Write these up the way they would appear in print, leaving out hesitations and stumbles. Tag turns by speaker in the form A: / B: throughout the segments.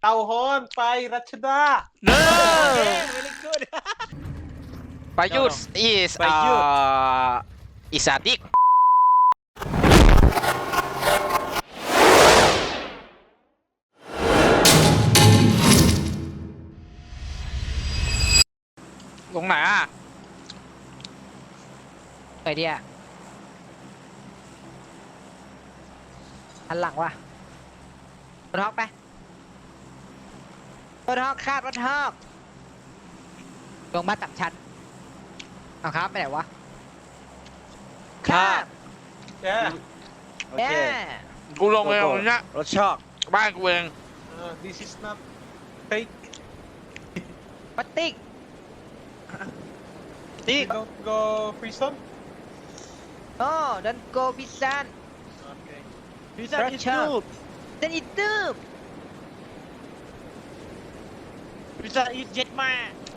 A: เต่าฮอนไปรัชดา
B: No.
C: Very good.
B: Payut is
C: Payut.
B: Is a dick. ลงไหนอ่ะ
D: ไปเดียหันหลังว่ะรถฮอกไปรถฮอกคาดรถฮอกลงบ้านตับชั้นเอาครับไปไหนวะ
C: ครับ
A: แย่
C: โอ
D: แย่
C: เค
B: กูลงไปตรงเนี้ย
C: รถชอก
B: บ้านกูเอง
A: this is not fake
D: ปัตติก
C: นี่
A: don't go prison
D: โอ้ดันโกพิซัน
A: okay
C: พิซซ่าอิทูบ
D: เซนอิตูบ
C: พิซซ่าอิทเจ็ดมา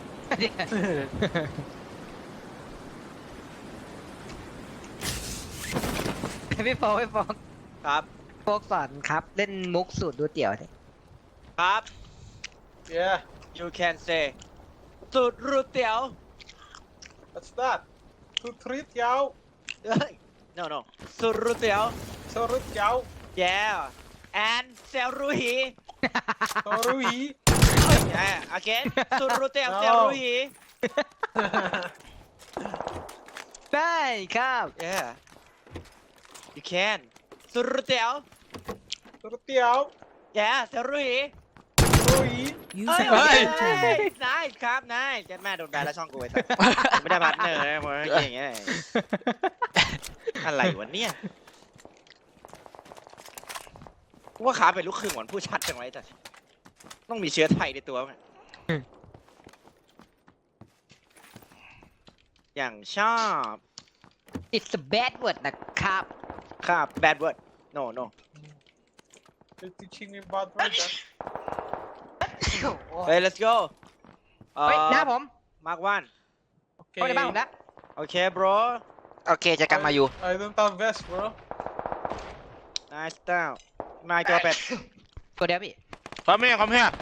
D: พี่โฟก
C: ครับ
D: โฟกสอนครับ เล่นมุกสูตรดูเตี๋ยวดิ
C: ครับ
A: yeah
C: you can say สูตรรูเตี๋ยว
A: what's that สุดทริตยาว
C: เอ้ย no no สูตรรูเตี๋ยว
A: สรุปยาว
C: yeah and เซลรูฮี
A: สรุย
C: yeah again สูตรรูเตี๋ยว
A: No
C: เซลรูฮี
D: ได้ครับ
C: yeah you can สูตรรูเตี๋ยว
A: สรุปยาว
C: yeah เซลรูฮี
A: สรุย
C: เฮ้ย
B: เฮ้ย
C: นายครับนายเจ็ดแม่โดนแบนแล้วช่องกูไอ้สัสไม่ได้พาร์ทเนอร์นะมึงอย่างเงี้ยอะไรวะเนี่ยกูว่าขาเป็นลูกครึ่งหวานผู้ชัดจังไว้แต่ต้องมีเชื้อไทยในตัวมั้งอย่างชอบ
D: It's a bad word นะครับ
C: ครับ bad word no no
A: you're teaching me bad words
C: เฮ้ย let's go
D: เฮ้ยหน้าผม
C: มาร์ควัน
A: okay
D: เข้าในบ้านผมแล้ว
C: โอเค bro
B: โอเคจะกลับมาอยู่
A: I don't have vest bro
C: nice style มาอีกตัวเป็ด
D: ตัวเดียวพี่
B: Come here come here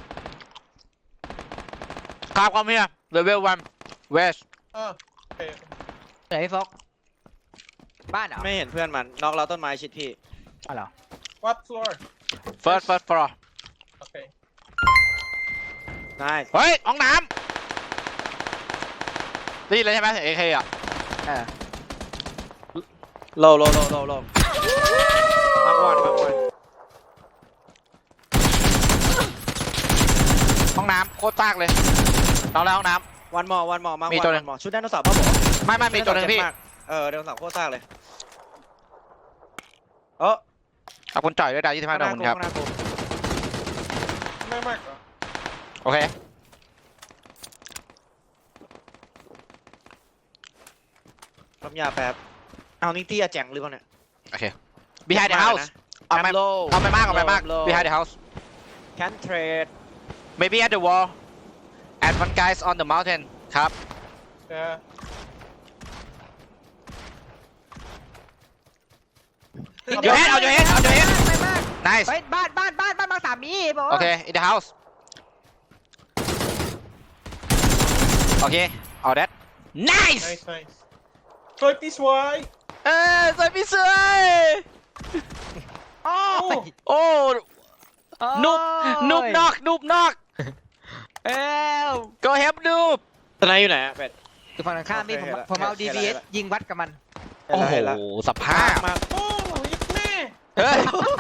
B: come here level 1 west
A: okay
D: ไหนพี่โฟกบ้านเหรอ
C: ไม่เห็นเพื่อนมันน็อกเราต้นไม้ชิดพี่
D: อ๋อเหรอ
A: what floor
B: first floor
A: okay
C: nice
B: เฮ้ยห้องน้ำนี่เลยใช่ไหมเอเคอ่ะ
D: เออ
C: โลมาร์ควัน
B: ห้องน้ำโคตรซากเลยเอาแล้วห้องน้
C: วันมอมาร์ค
B: มี
C: วั
B: ตัวหนึ่ง
C: นชุดไดโนเสาร์ป่ะผม
B: ำไม่มีตัวหนึงพี่
C: ไดโนเสาร์โคตรซากเลยเออ
B: ขอบคุณจ่อยด้วยดาว25ดาวคุณครับ
C: ข้างหน้ากู
A: ไม่มากเหรอ
B: โอเค
C: ปั๊มยาแป๊บเอานี่ตี้อะแจงหรือเปล่าเนี่ย
B: โอเค behind the house เอาไม่
C: low
B: เอาไม่มากเอาไม่มาก
C: low
B: behind the house
C: can trade
B: maybe at the wall and one guys on the mountain ครับ
A: yeah
B: อยู่เฮดเอาอยู่เฮด
D: ไม่มาก
B: nice
D: เฮ้ยบ้านบางสามีบอก
B: โอเค in the house โอเคเอา that nice
A: nice nice สวยพี่สวย
B: สวยพี่สวย
D: โอ้
A: โอ้
B: โอ้นุบนอก
D: เอ้ว
B: go help นูบ
C: ตอนไหนอยู่ไหนอะเป็ด
D: อยู่ฝั่งตรงข้ามพี่
C: โอเค
D: ผมเอา
C: เห็นแล้ว
D: DBS ยิงวัดกับมัน
B: โอ้โหสภาพ
C: มา
A: โอ้ยิบแม่
B: เฮ้ย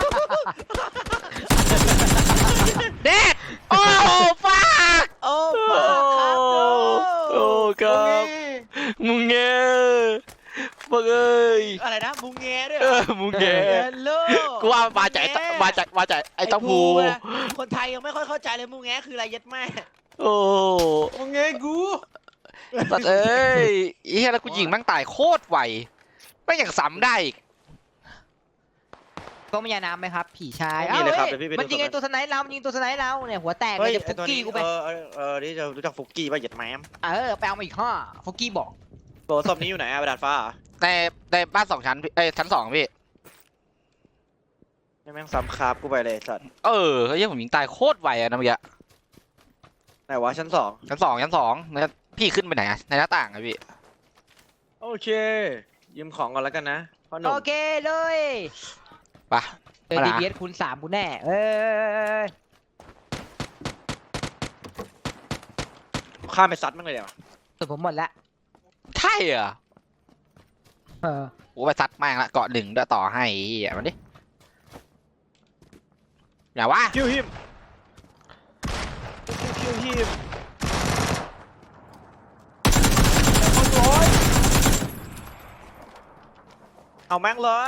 B: เด็ดโอ้ฟัก
C: โอ้
B: โอ้ครับมุงเงี้ยบังเอ้ย
C: อะไรนะมุงแงด้วย
B: มุงเงี้ย
C: โล
B: กูว่ามาจากไอ้เต้าหู
C: คนไทยยังไม่ค่อยเข้าใจเลยมุงแงคืออะไรยัดแม่
B: โอ้
A: โอ้ไงกู
B: สัตว์เอ้ยไอ้เหี้ยแล้วกูยิงแม่งตายโคตรไวไม่งอย่างซ้ำได้อีก
D: ก็มียาน้ำไหมครับ ผีชาย
C: มีเลยครับ
D: อ้า
C: เดี๋ยวพี่ไปดู
D: มันยิงไอ้ตัวสไนป์เรามันยิงตัวสไนป์เราเนี่ยหัวแตกเล
C: เฮ้ย
D: ยจะฟุกกี้กูไป
C: นี่จะรู้จักฟุกกี้ป่ะยัดแม่
D: ไปเอามาอีกห้าฟุกกี้บอก
C: โบศพนี้อยู่ไหนอะไปดาดฟ้า
B: ในบ้าน2 ชั้นพี่ชั้น 2พี่
C: แม่งซ้ำคาบกูไปเลยสัตว์
B: เออเฮ้ยผมยิงตายโคตรไวอะนะเมื่อกี้
C: ไหนวะชั้นสอง
B: ชั้นสองแล้วพี่ขึ้นไปไหนอะในหน้าต่างอะพี่
C: โอเคยืมของก่อนแล้วกันนะพ่อหนุ่
D: โอ
C: ม
D: เคเลย
B: ไป
D: เจอ
B: มาละ
D: DBS คูณ3กูแน่ย
C: ข้ามไปซัดมั่งเลยเดี๋ยว
D: สุดผมหมดละ
B: ใช่เหรอ
D: เออ
B: กูไปซัดแม่งละเกาะหนึ่งด้วยต่อให้อ่ะมันดิอย่าวะ
C: คิวฮิมคิวฮิมเอาแม่งเลย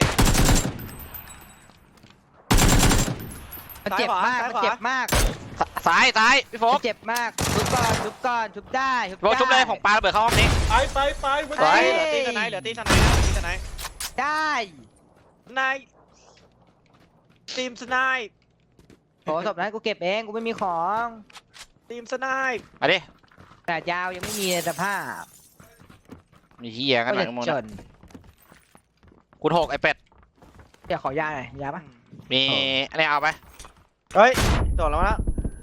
D: มันเจ็บมาก
C: ซ้าย
D: มัน
C: ขวา
D: เจ็บมาก
B: ซ้ายพี่โฟ
D: มั
B: ก
D: นเจ็บมากชุบก่อนชุบก่อนชุบได้ชุบ
B: โฟกชุบเลย
D: ได้
B: ผมปาระเบิดเข้าห้องนี้
A: ไปวัน
B: ไป
A: นี้
C: เหลือตีสไนด์เหลือตีสไนด์นะตีสไนด์
D: ได้
C: สไนด์ทีมสไนด์
D: โอ้ศพนั้นกูเก็บเองกูไม่มีของ
C: ทีมสไนด์
B: มาดิ
D: แต่ยาวยังไม่มีสภาพ
B: มีเฮียกัน
D: ก็
B: หน่อ
D: จะ
B: ยมึง
D: จ
B: นะ
D: น
B: คุณหกไอเป็ด
D: เดี๋ยวขอยาหน่อยยาปะ
B: มีอันนี้เอาไป
C: เฮ้ยโดดแล้วนะ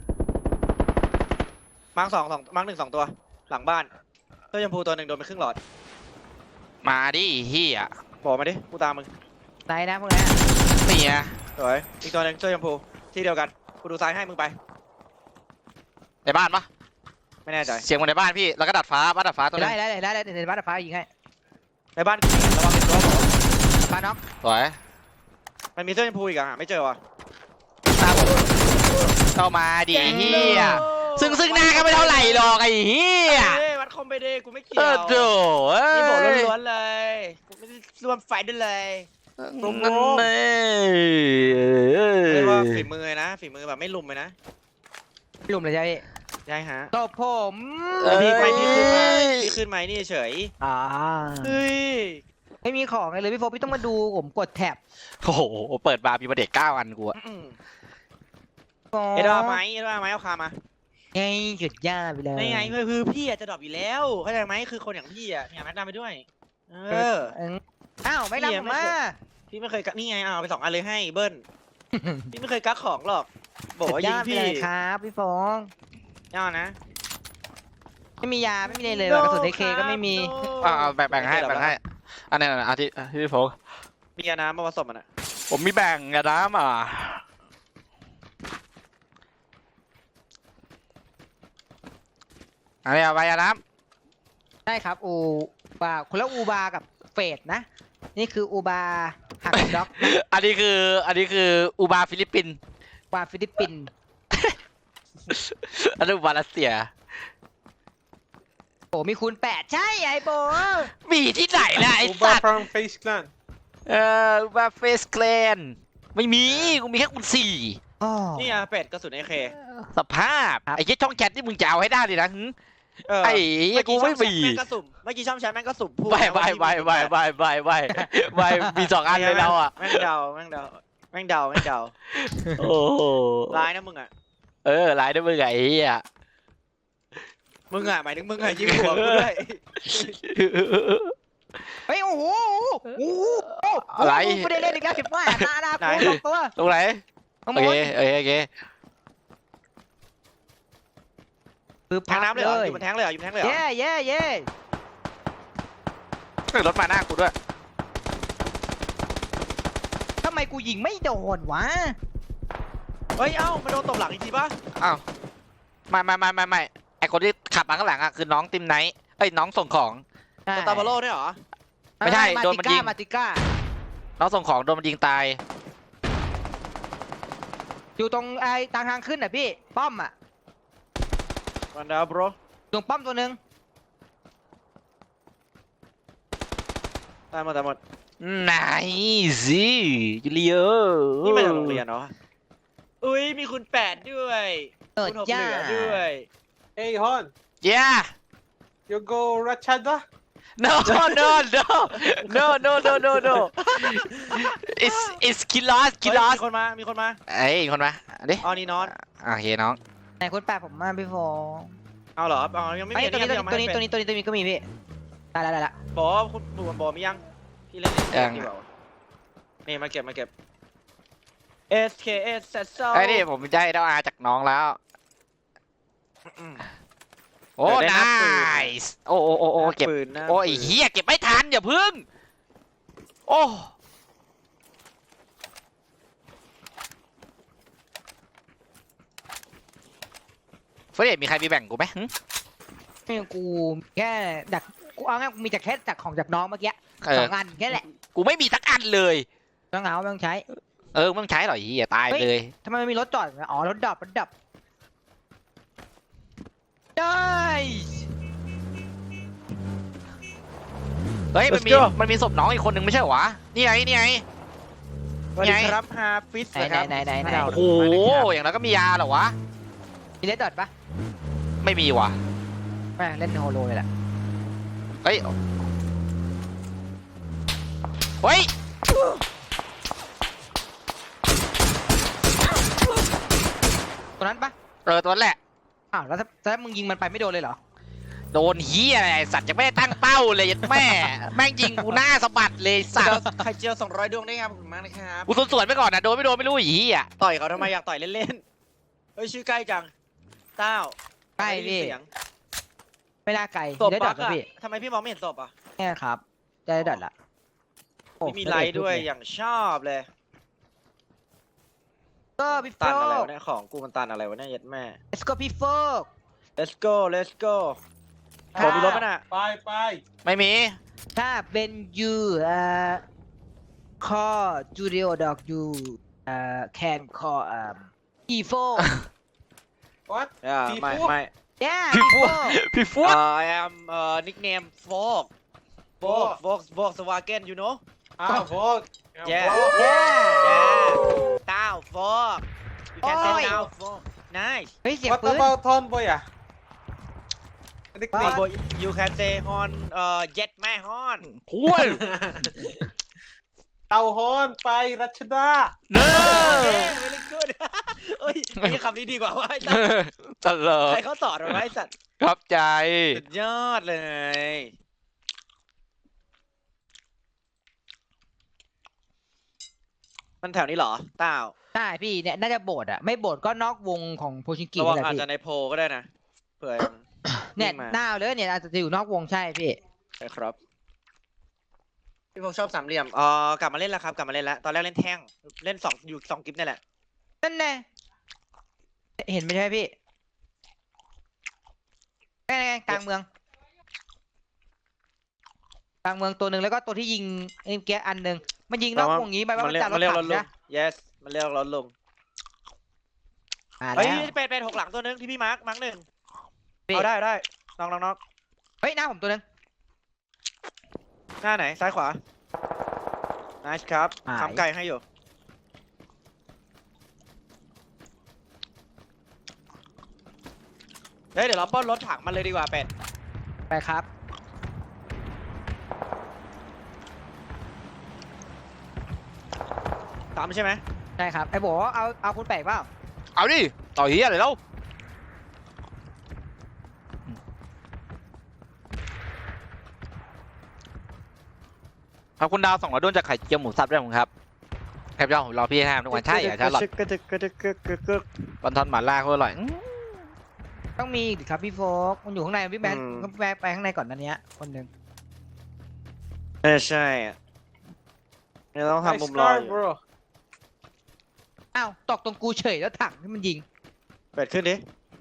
C: มาร์คมาร์คหนึ่งสองตัวหลังบ้านเสื้อชมพูตัวหนึ่งโดนไปครึ่งหลอด
B: มาดิเฮีย
C: บอกมาดิกูตามมึง
D: ไหนนะพวกนี้
B: นี่ไง
C: สวยอีกตัวหนึ่งเสื้อชมพูที่เดียวกันกูดูซ้ายให้มึงไป
B: ในบ้านปะ
C: ไม่แน่ใจ
B: เสียงมันในบ้านพี่แล้วก็ดัดฟ้าบ้านดัดฟ้าตัวนึ
D: ได้
B: ง
D: ได้ในบ้านฟ้ายิงให้
C: ในบ้านกูระวังเห็นตัวผม
D: ฟ้าน็อก
B: สวย
C: มันมีเสื้อชมพูอีกอะไม่เจอว่ะ
B: ตามผมเข้ามาดิเฮียซึ่งหน้าก็ไม่เท่าไหร่หรอกไอ้เฮีย
C: เฮ้ยวัดคอมไปดิกูไม่เกี่
B: เอ
C: ยว
B: อโถ่เอ้ย
C: นี่บอกล้วนๆเลยกูไม่ได้ร่วมไฟด้วยเลย
B: นั่นเอ้ย
C: เรียกว่าฝีมือนะฝีมือแบบไม่ลุมเลยนะ
D: ลุมเลยใช่ไหม
C: ใช่ฮะ
D: ตบผม
C: พี่ขึ้นไหมนี่เฉย
D: อ่า
C: เฮ้ย
D: ไม่มีของเลยพี่โฟพี่ต้องมาดูผมกดแท็บ
B: โอ้โหเปิดบาร์มีประเด็ก9 อันกูอะ
C: เอ็ดว่าไหมเอาคามา
D: ไงหยุดย่าไปเลย
C: นี่ไงคือพี่อะจะดรอปอยู่แล้วเข้าใจไหมคือคนอย่างพี่อะเนี่ยแม็กดาไปด้วยเออ
D: อ้าวไม่รับผมมา
C: พี่ไม่เคยกักนี่ไงเอาไป2 อันเลยให้เบิ้ลพี่ไม่เคยกักของหรอกบอกว่ายิง
D: ไป
C: พี่
D: เลยครับพี่ฟอง
C: เอานะ
D: ไม่มียาไม่มีเลยกระสุนเคก็ไม่มี
B: แบ่งให้อันนี้นะที่พี่โฟก
C: มียาน้ำมาผสมมันอะ
B: ผมมีแบ่งกระน้ำอันนี้เอาไปอะน้
D: ได้ครับอูบาคนละอูบากับเฟดนะ นี่คืออูบาหักด็อก
B: ำอันนี้คืออูบาฟิลิปปินส์
D: บาฟิลิปปินส์
B: อันนี้อูบารัสเซีย
D: โอ้มีคูณ8ใช่ไอ้โบ
B: มีที่ไหนล่ะไอ้
A: อู
B: สั
A: บา
B: ตว์
A: ฟรังเฟสคลาน
B: อูบาเฟสแคลนไม่มีกูมีแค่คูณ4
C: นี่อะเป็ดกระสุนAK
B: สภาพไอ้เหี้ยช่องแชทนี่มึงจะเอาให้ได้เลยนะหึ
C: เออ
B: ไอ้เหี้ยกูไม่มี
C: เมื่อกี้ช่องแชทแม่งก็สุ่มพูด
B: ไม่มี2 อันเลยเราอ่ะ
C: แม่งเดา
B: โอ้โห
C: ร้ายนะมึงอะ
B: ไลน์ด้วยมึงไงไอ้เหี้ย
C: มึงอะหมายถึงมึงอะยิงหัวกูด้วย
D: เฮ้ยโอ้โหไม่ได้เล่นอีกแล้วผิดว่าตาดาตัว
B: ตรงไหน
D: ข้าง
B: โอบ
D: น
B: เค
D: คือ
C: แทงน้ำเลยเหรออยู่บนแทงเลยเหรออยู่บนแทงเลยเหรอ
D: เย่
B: รถมาหน้ากูด้วย
D: ทำไมกูยิงไม่โดนวะ
C: เฮ้ยเอ้ามาโดนตบหลังอีกทีป่ะ
B: อ้าวไม่ไอคนที่ขับมาข้างหลังอ่ะคือน้องติมไนท์น้องส่งของ
C: ตัวตาบาโลเนี่ยเหรอ
B: ไม่ใช่โดนมันยิง
D: มาติก้า
B: น้องส่งของโดนมันยิงตาย
D: อยู่ตรงไอ้ทางขึ้นอ่ะพี่ป้อมอ่ะ
C: วันดาวบร
D: ตรงป้อมตัวนึง
C: ตายหมด
B: ไหนสิจูเลีย
C: นี่มาจากโรงเรียนเนาะอุ้ยมีคุณ8ด้วยคุณ6เหลือด้วย
A: เฮ้ยฮอน
B: ย่า
A: you go Rachada
B: no it's kilos
C: มีคนมา
B: ไอ้คนมาดิ
C: อ๋อนี่นอน
B: โอเคน้อง
D: ไหนคนแปลผมมาพี่ฟอง
C: เอาเหรออ๋อยังไม่มี
D: ตัวนี้ก็มีพี่ได้ละ
C: บอกคุณบุ๋มบอกมียังพี่เล่นดีกว่านี่มาเก็บ SKS เซตโซ
B: ไอ้นี่ผมได้ดาวอาจากน้องแล้ว โอ้
C: ได้นับปืน
B: nice โอ้เก็บ
C: ปืนนะ
B: โอ้ยเฮียเก็บไม่ทันอย่าพึ่ง โอ้เฟรดมีใครมีแบ่งกูไหมหึ
D: ไม่กูแค่ดักกูเอาง่ายกูมีแต่แค่ดักของจากน้องเมื่อกี้
B: เอ
D: ส
B: อ
D: องอันแค่แหละ
B: กูไม่มีสักอันเลย
D: ต้องเอาไม่ต้องใช้
B: เออไม่ต้องใช้หรอกเฮียตายไปเลย
D: ทำไมมันมีรถจอดอ๋อรถดับได้
B: เฮ้ย
C: Let's go
B: มันมีศพน้องอีกคนหนึ่งไม่ใช่เหรอวะ นี่ไง นี่ไง
C: สวัสดีครับฮาฟิสนะครับ
D: ไหน
B: โอ้โห อย่างนั้นก็มียาเหรอวะ
D: มีเลดดอทปะ
B: ไม่มีว่ะ
D: แม่งเล่นโฮโลเลยแหละ
B: เฮ้ย เฮ้ย
D: ตัวนั้นปะ
B: เออตัวนั้นแหละ
D: อ้าวแล้วถ้ามึงยิงมันไปไม่โดนเลยเหรอ
B: โดนเฮียอะไรสัตว์ยังไม่ได้ตั้งเป้าเลยยัดแม่ แม่งยิงกูหน้าสะบัดเลยสัตว์
C: ไข่เจียว200 ดวงได้ครับขอบคุณมากนะครับ
B: กูสวนๆไปก่อนนะโดนไม่โดนไม่รู้อีอ่ะ
C: ต่อยเขาทำไมอยากต่อยเล่นๆเฮ้ยชื่อใกล้จังเต้า
D: ใกล้
C: ไม่ได้ยิ
D: พี่
C: นเสียง
D: ไม่น่าไกล
C: ศพ
D: เลดด
C: บั
D: อท
C: กอะ
D: พี่
C: ทำไมพี่มองไม่เห็นศพอ่ะ
D: แค่ครับได้เลดดอทละโอ้
C: ไม่มีไลท์ด้วยอย่างชอบเลย
D: ก็พี่โฟ
C: ตันอะไร
D: ก
C: วะเนี่ยของกูมันตันอะไรวะเนี่ยยัดแม่
D: let's go พี่โฟก
C: let's go let's go
D: อ่า
C: ผมมีรถป่ะน่ะ
A: ไป
B: ไม่มี
D: ถ้าเป็นยูข้อจูเดียดอกยูแคนคอพี่โฟก
A: what
C: ไม่
D: yeah
B: พี่
D: พี่
B: ฟู
D: โฟก
B: พี่ฟู
C: I am nickname Fog Volkswagen you know
A: อ้าวโฟก
C: Yeah
D: yeah
C: เต้า Fog you can say
D: โอ้ย
C: now Fog nice
D: เฮ้ยเสียง
A: What
D: ปืน
A: about Ton Boy อ่ะนิก
C: Fog
A: นิก
C: boy, you can say Hon Jet แม่ Hon
B: พูด
A: เต่าฮอนไปรัชดา
B: เนอ
C: very good เอ้ยมีคำนี้ดีกว่าว่าไอ้สัตว์
B: ตลก
C: ใครเขาสอนมาไอ้สัตว์
B: ครับใจ
C: สุดยอดเลย มันแถวนี้เหรอเต้า
D: ใช่พี่เนี่ยน่าจะโบดอะไม่โบดก็นอกวงของโพชิงกิ
C: ระวัง
D: นี่แหละ
C: อาจ
D: พี่
C: จะในโพลก็ได้นะเผื่อ
D: เนี่ย
C: วิ่งมา
D: หน้าเลยเนี่ยอาจจะอยู่นอกวงใช่พี่
C: ใช่ครับพี่พงษ์ชอบสามเหลี่ยมกลับมาเล่นแล้วครับกลับมาเล่นแล้วตอนแรกเล่นแท่งเล่นอยู่2กิฟต์นี่แหละ
D: นั่นแน่เห็นไหมใช่ไหมพี่ไงกลางเมืองกลางเมืองตัวหนึ่งแล้วก็ตัวที่ยิงเมื่อกี้อันหนึ่งมันยิงนอกวงนี้ไปว่ามันจะรถ
C: เรียก
D: ถั
C: รง ถลุง
D: นะ
C: yes มันเรียกรถลุง
D: อ่า
C: เฮ้ย
D: แล้ว
C: เป็นหกหลังตัวนึงที่พี่มาร์คหนึ่ง
D: พี่
C: เอาได้น้อง
D: เฮ้ยหน้าผมตัวหนึง
C: หน้าไหนซ้ายขวา nice ครับทำไก่ให้อยู่เฮ้ยเดี๋ยวเราปล้นรถถังมันเลยดีกว่าเป็ด
D: ไปครับ
C: ตามใช่ไหม
D: ใช่ครับไอ้บอกว่าเอาคุณแปลกเปล่า
B: เอาดิ ต่อเฮียอะไรแล้วขอบคุณดาว200ด้วนจากไข่เจียวหมูสับด้วยผมครับแคปยอดผมรอพี่ให้ทำทุกวันใช่เหรอชาลอต
C: กระดึกกระดึกกระดึกกระดึก
B: ตอนทอนหมาล่าก็อร่อย
D: ต้องมีดิครับพี่โฟกมันอยู่ข้างในพี่แบนก็ไปข้างในก่อนนันเนี้ยคนหนึ่ง
C: ใช่อะเนี่ยต้องทำมุมรอ
A: Nice
C: อยู่
A: car, bro
D: อ้าวตกตรงกูเฉยแล้วถังที่มันยิง
C: เป็ดขึ้นดิ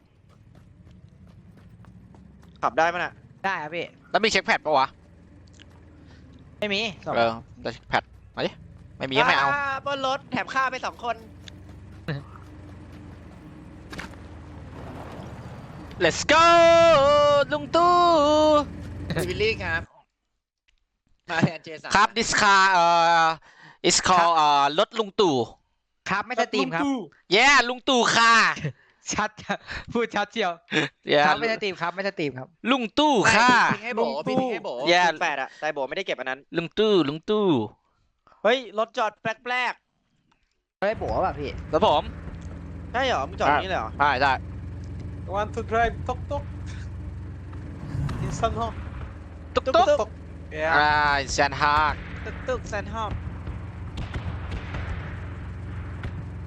C: ขับได้มั้ยน่ะ
D: ได้ครับพี่
B: แล้วมีเช็คแพดปะวะ
D: ไม่มีสอง
B: เออแต่เช็คแพดมาดิไม่มีก็ไม่เอา
C: บนรถแถมข้าวไป2 คน
B: let's go ลุงตู้
C: วิลลี่ครับ มาแทนเจสัน
B: ครับ this car is called รถลุงตู่
D: ครับไม่สตรีมครับ
B: yeah ลุงตู่ค่ะ
D: ชัดพูดชัดเชียว
B: yeah
D: ครับไม่สตรีมครับไม่สตรีมครับ
B: ลุงตู่ค่ะ
C: พี่ทิ้งให้โบพี่ทิ้งให้โบ
B: แย่
C: 8อะแต่โบไม่ได้เก็บอันนั้น
B: ลุงตู่
C: เฮ้ย รถจอดแปลก
D: ไม่ได้บอกว่าพี่
B: แล้วผม
C: ๆใช่เหรอ มึงจอดอย่างนี้เลยเหรอ
B: ได้
A: want to drive tuk tuk in San Ho
B: ตุ๊ก
C: ตุ๊
B: ตุ๊ก
C: กตุ๊ก
A: yeah
B: แซนฮาก
C: ตึกแซนฮอม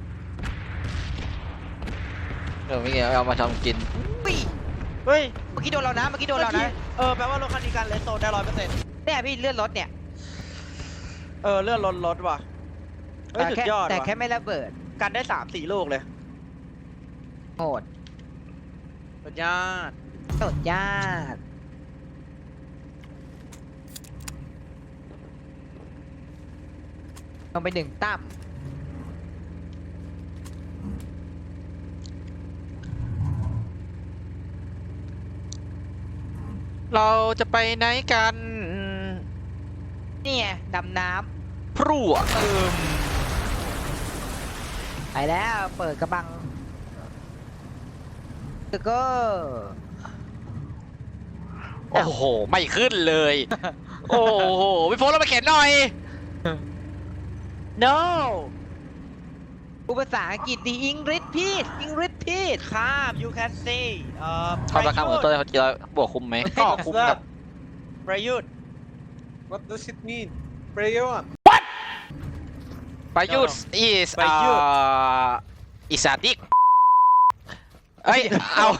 B: เดี๋ยวไม่เกี่ยวเอามาทำกิน
D: ปี
C: เฮ้ย
D: เมื่อกี้โดนเรานะ เมื่อกี้โดนเรานะ
C: แปลว่ารถคันนี้การเลนโซนได้100%
D: เนี่ยพี่เลื่อนรถเนี่ย
C: เลื่อนรถว่ะเฮ้ยสุดยอด
D: แต่
C: ว่ะ
D: แค่ไม่ระเบิด
C: กันได้3-4 ลูกเลย
D: โหด
C: สุดยอด
D: สุดยอดลงไปหนึ่งตั้ม
B: เราจะไปไหนกัน
D: นี่ไงดำน้
B: พรั่ว
D: ำไปแล้วเปิดกระบังแล้วก็
B: โอ้โห ไม่ขึ้นเลย โอ้โหพี่โฟนเราไปเข็นหน่อย
C: no
D: อุปสรรคอังกฤษดีอังกฤษพีดอังกฤษพีด
C: ข้าม you can say
B: ความราคาเหมือนตัวเขาจะบวกคุ้มไหมก็คุ้มกับ
C: ประยุทธ์
A: What does it mean? Prayon.
B: ประยุทธ์ is
C: ประยุทธ์
B: is a dick เอ้ย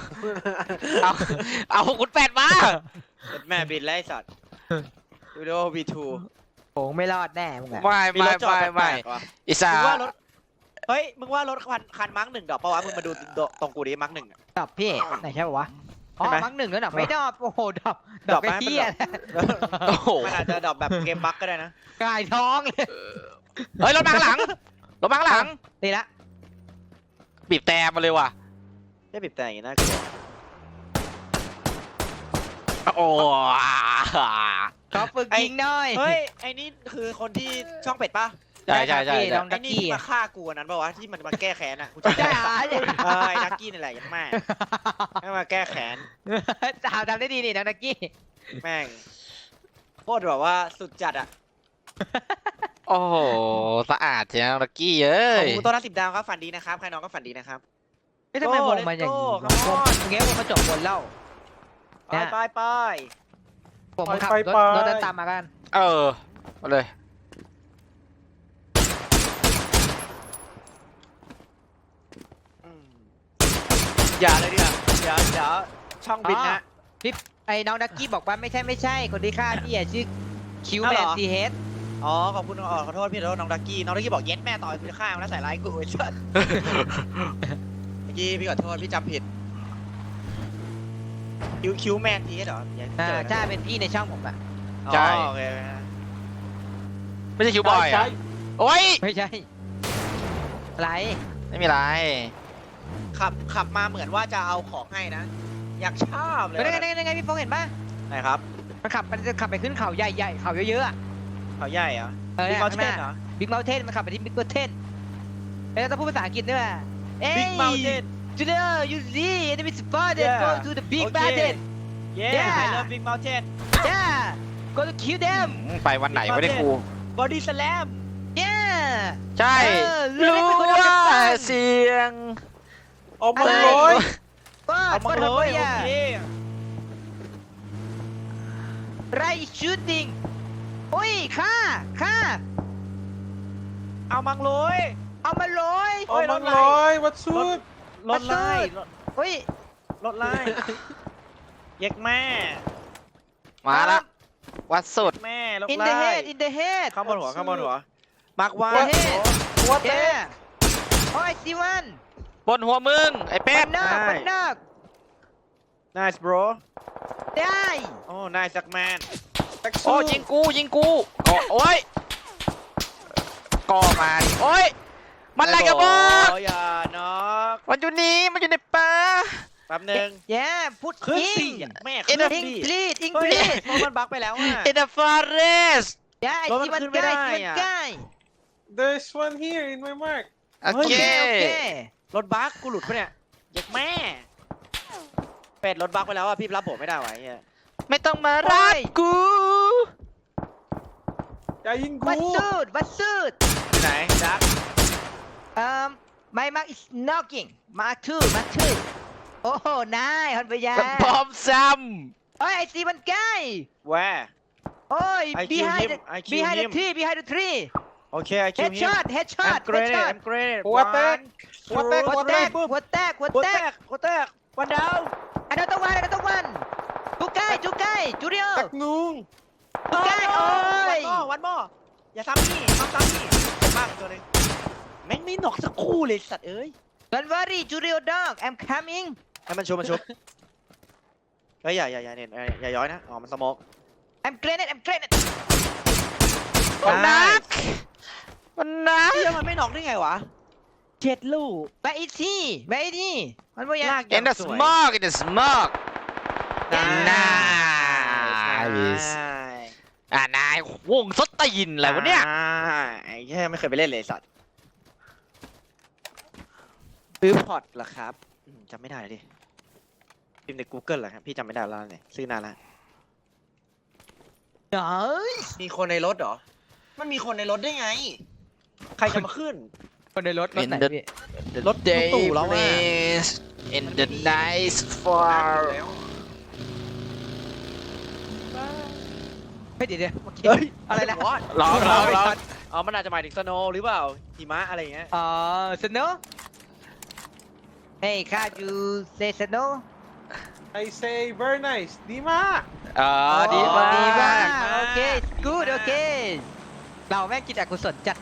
B: เอาคุณแปดมา
C: แม่บินไล่สัตว์ดูดิโอ V2
D: โผงไม่รอดแน่มึงอะ
B: ไม่
C: มีรถจอดแป
B: ไม่
C: ลกๆว่ะ
B: is
C: มึ
B: a
C: งว่ารถเฮ้ยมึงว่ารถคันมาร์กหนึ่งดอกปะวะมึงมาดูตรงกูดิมาร์กหนึ่ง
D: ดอบพี่ไหนใช่ปะวะอ๋อ
C: ใช่ไหม
D: มังหนึ่งแล้วดอกไม่ดอบโอ้โหดอบ
C: ด
D: ด
C: อ
D: อก ก
C: ไหม
D: ไอ้เหี้ย
B: โอ้โห
C: มันอาจจะดอกแบบเกมบั๊กก็ได้นะ
D: กายท้องเลย
B: เฮ้ยรถมาข้างหลังรถมาข้างหลัง
D: นี่ละ
B: บีบแต่มาเลยว่ะ
C: ได้บีบแต่อย่างนี้น่ากลัว
B: โอ้
D: ขอฝึกยิงหน่อย
C: เฮ้ยไอ้นี่คือคนที่ช่องเป็ดปะ
B: ใช่ใช่ใช่
D: พี่น้อง
C: ไอ้
D: ดัก
C: นี่
D: กี้
C: ที่มาฆ่ากูอันนั้นปะวะที่มันมาแก้แค้นอ่ะกูจำ
D: ใช่
C: ได้
D: เหรอ
C: ไอ้ดักกี้นี่แหละยัดแม่ให้มาแก้แค้น
D: จ่าวทำได้ดีนี่น้องดักกี้
C: แม่งโคตรแบบว่าสุดจัดอ่ะ
B: โอ้โหสะอาดจังลักกี้เอ้
C: ขอย บคุณต้นละ10 ดาวครับฝันดีนะครับใครน้องก็ฝันดีนะครับ
D: ไม่ทำไมวงมันอย่างนี้
C: Let's go come on
D: เงี้ยวงมาจบบนเล่า
C: ไปไปไป
D: ผมขับรถเดินตามมากัน
B: เออมาเลย
C: อืมอย่าเลยดิเดี๋ยวช่องบินนะ
D: ไอ้น้องดักกี้บอกว่าไม่ใช่คนที่ฆ่าพี่อะชื่อคิว
C: อ้าว
D: แม
C: เหร
D: น
C: อ
D: ซีเฮด
C: อ๋อขอบคุณขอโทษพี่ขอโทษน้องดักกี้น้องดักกี้บอกเย็ดแม่ต่อยคุณฆ่ามันแล้วใส่ร้ายกูไอ้สัสเมื่อกี้พี่ขอโทษพี่จำผิดคิวแมนทีเหรออย่าเจอกัน
D: ใช่เป็นพี่ในช่องผมอะ
C: อ๋อ
B: ใช่
C: โอเค
B: ไม่ใช่คิวบอยอ่ะโอ้ย
D: ไม่ใช่อะไร
B: ไม่มีไร
C: ขับมาเหมือนว่าจะเอาของให้นะ อยากชอบเลย
D: เป็นไงพี่ฟงเห็นป่ะ
C: ไหนครับ
D: มันจะขับไปขึ้นเขาใหญ่ๆเขาเยอะๆอะ
C: เขาใหญ่เหรอ
D: เนี่ย
C: บิ๊กเมา
D: ข้าง
C: เท
D: ห
C: น
D: น้า
C: เหรอ
D: บิ๊กเมลเทนมันขับไปที่บิ๊กเมลเทนแล้วต้องพูดภาษาอังกฤษด้วยเอ้ย
C: Big Mountain
D: today you see enemy spotted
C: Yeah.
D: go to the big
C: Okay.
D: mountain
C: Yeah
D: Yeah.
C: I love Big Mountain
D: yeah go to kill them
B: ไปวันไหนไม่ได้ครู
C: Body Slam
D: yeah
B: ใช่
D: เรื่อง
B: รู้
D: นี้เป็นคน
B: ว่า
D: เอาจากบ้าน
B: เสียง
A: เอามา
D: อะไร
A: ร้อย
D: ก็
C: เอามาเลย
D: อย่า
C: โอเค
D: ไร shooting โอ้ยฆ่า
C: เอามังเลย
D: เอามาเลย
C: โอ้
A: เอา
C: ย
A: มาร้อยวัดสุด
C: รถไล่
D: เฮ้ย
C: รถไล่เย็กแม่
B: มาละวัดสุด
C: แม่รถ
D: in
C: ไล่
D: the head in the head
C: ข้างบนหัวข้างบนหัวมาร์กว่า
D: What?
A: What the
D: yeah โอ้ยซีวัน
B: บนหัวมึง ไอ้เป็
D: ปั
B: ด
D: นนอกปันนอก
C: nice bro
D: ได้
C: โอ้ nice สักแมน
B: โอ้ยิงกูก่อโอ้ยก่อมาดิโอ้ยมันอะไรกันบ้า
C: โอ้อย่าน็อก
B: มันอยู่นี่มันอยู่ในป่า
C: แป๊บนึง
D: yeah พูด
C: ขึ้น
D: ยิ
C: สิ
D: ง
C: แม่
B: เอ็
C: ขึ้
B: น
C: น
B: เดอร์
C: สิ
D: English
C: เฮ้ย
D: English
C: รถมันบั๊กไปแล้วอ่ะ
B: in the forest
D: อย่าไอ้
C: รถมัน
D: ซีวัน
C: ขึ้นไม่
D: ใกล้
C: ได้
D: ซีวัน
C: อะ
D: ใกล้
A: There's one here in my mark.
B: โอ
D: โอ
B: เค
D: เคโอเค
C: รถบั๊กกูหลุดปะเนี่ยเย็กแม่เป็ดรถบั๊กไปแล้วอ่ะพี่รับผมไม่ได้วะไอ้เหี้ย
B: ไม่ต้องมารักกู
A: อย่ายิงกู
D: วัดสุด
C: ที่ไหนจัก
D: my mark is knocking mark two โอ้โหนายฮอนเบีย
B: พร้อมซ้
D: โอ้ยไอ้ซีวันใกล้
C: แวร์
D: โอ้ย
C: I kill
D: behind
C: him.
D: the
C: I kill
D: behind the
C: him.
D: tree behind the tree
C: โอเค I kill him
D: headshot
C: I'm grenade I'm grenade
A: What the
C: One
A: หัวแตก
D: หัวแตก
A: ปุ๊บ
D: หัวแตกหัว
C: หัว
D: แต
C: แต
D: ก
C: กหัวแตกวันดาว
D: another oneจุกไก่จูเดียว
A: แตกนุง
D: จุกไก่โอ้ย
C: วันหม้ออย่าซ้ำนี่ซ้ำนี่มากตัวหนึงแม่งไม่หนอกสักคู่เลยสัตว์เอ้ย
D: don't worry จูเดียว dog I'm coming
C: ให้มันชุบเฮ้ยอย่าเนี่ยอย่าย้อยนะอ๋อมันสโมก
D: I'm grenade
B: มันนักมันนัก
C: เฮ้ยมันไม่หนอกได้ไงวะ7 ลูก
D: where is he มันบ่ยัง
C: ลาก
B: in the smoke in the smoke
C: นาย
B: นายวงสตีนอะไรวะเนี่ย
C: ไอ้แค่ไม่เคยไปเล่นเลยสัตว์ซื้อพอร์ตเหรอครับจำไม่ได้เลยดิพิมพ์ใน Google เหรอครับพี่จำไม่ได้แล้วเนี่ยซื้อนานแล้ว
D: เฮ้ย
C: มีคนในรถเหรอมันมีคนในรถได้ไง ใครจะมาขึ้น
D: คนในรถ
B: In
D: ไหน
B: the
D: พี่
C: รถ
B: day
C: ตู่เราอะ
B: place in the nice far
D: เฮ้ยเดี๋ยวเมื่อกี้
C: เฮ้ย
D: อะไรนะ
B: ร้อง
C: อ๋อมันอาจจะหมายถึงสโนว์หรือเปล่าหิมะอะไรอย่างเงี้ย
D: อ๋อ snow Hey can't you say snow
A: ไอ say very nice ดีมาก
B: ดีมาก
D: ดีมากโอเค good โอเค เราแม่งกินอกุศลจัด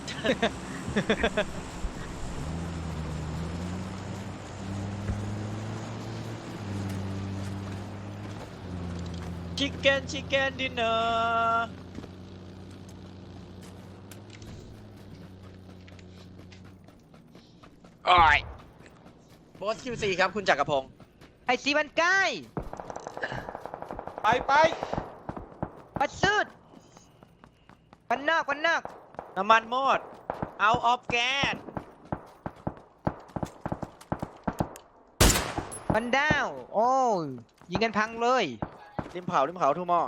C: ชิคเก้นดินเนอร์
B: โอ้ย
C: บอส QC ครับคุณจักรพงศ์
D: ไอซีมันใกล้
A: ไป
D: ปัดสุดวันนอก
C: น้ำมันหมด out of gas
D: วันดาว โอ้ยยิงกันพังเลย
C: ริมเผาทูมอ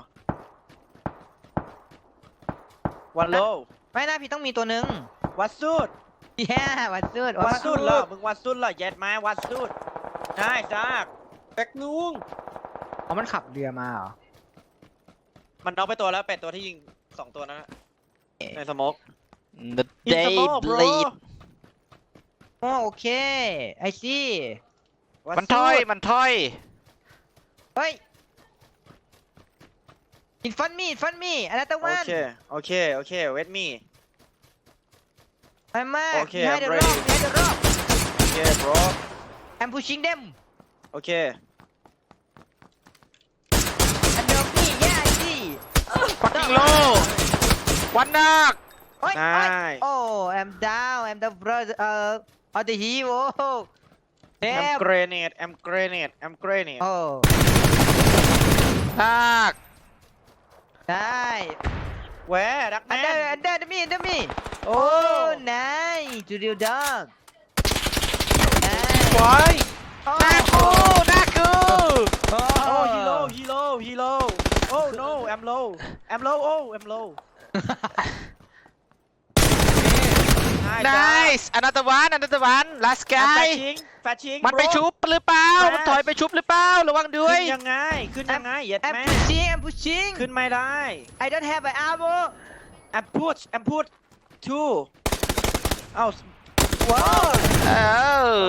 C: วันโล
D: ไม่น่าพี่ต้องมีตัวหนึ่ง
C: วัดสุด
D: แย่วัดสุด
C: วัดสุดเหรอมึงวัดสุดเหรอเย็ดมาวัดสุดได้จ้าก
A: แตกนุง
D: อ๋อมันขับเรือมาเหรอ
C: มันน็อกไปตัวแล้วเป็ดตัวที่ยิง2 ตัวนั้นนะในสโมก
B: the
C: In
B: day
C: smoke, bro.
B: bleed
D: อ๋อโอเค ไอซี
C: วัด
B: มัน
C: สุ
B: ถอย
C: ด
B: มันถอย
D: เฮ้ย in front me another
C: โอ
D: one
C: เคเวทมี
D: I'm
C: Okay,
D: behind the
C: I'm
D: rock
C: ready.
D: behind the rock
C: โอเค bro
D: I'm pushing them
C: โอเค
D: under me yeah I see
B: ปักกิ่งโลวันนัก
D: โอ้ย
C: ได้
D: โอ้ย oh I'm down I'm the brother of the hero
C: แอม
D: damn
C: เกรเนต
D: โอ้
B: นัก
D: ได้
C: แหวดักแมน
D: under me
C: โอ้
D: oh nice to the dog nice
C: ไว้
D: oh
B: นักกูนักกู
C: โอ้ฮีโร่โอ้ no I'm lowโอ้ I'm low
B: nice another one last
C: แฟ
B: guy
C: ชิง
B: มันไปชุบหรือเปล่า มันถอยไปชุบหรือเปล่า ระวังด้ว
C: ขึ้
B: ย
C: นยังไงเย็ด
D: I'm
C: แม่
D: pushing
C: ขึ้นไม่ได้
D: I don't have an ammo
C: I'm put two เอ้า
D: wow
B: เออ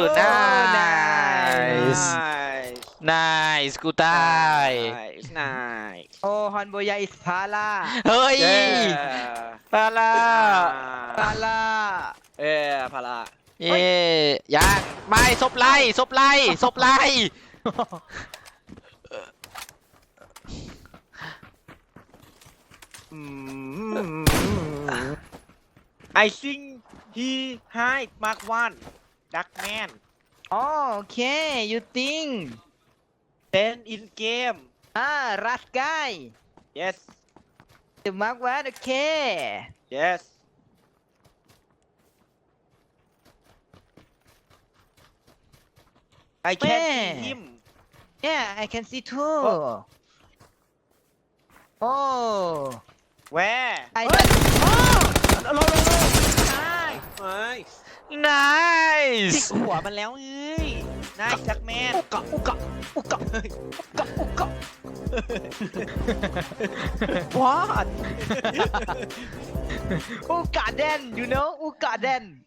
C: nice
B: nice กูตาย
C: nice
D: โอ้ฮอนโบยาอิสพาลา
B: เฮ้ย ปลาลา
D: พาลา
C: พารา
B: เย่ยังไม่ศพไล่
C: I think he hide Mark 1 Duckman
D: อ๋อโอเค you think
C: then in game
D: รัสกาย
C: yes
D: จะมาร์กว่าโอเค
C: yes I can see him
D: yeah I can see too oh
C: where
D: I
C: ลง
A: nice
B: nice
C: จิกหัวมันแล้วเอ้ยนายจักแมน
D: อุกะ
C: what
D: อุกะแดน you know อุกะแดน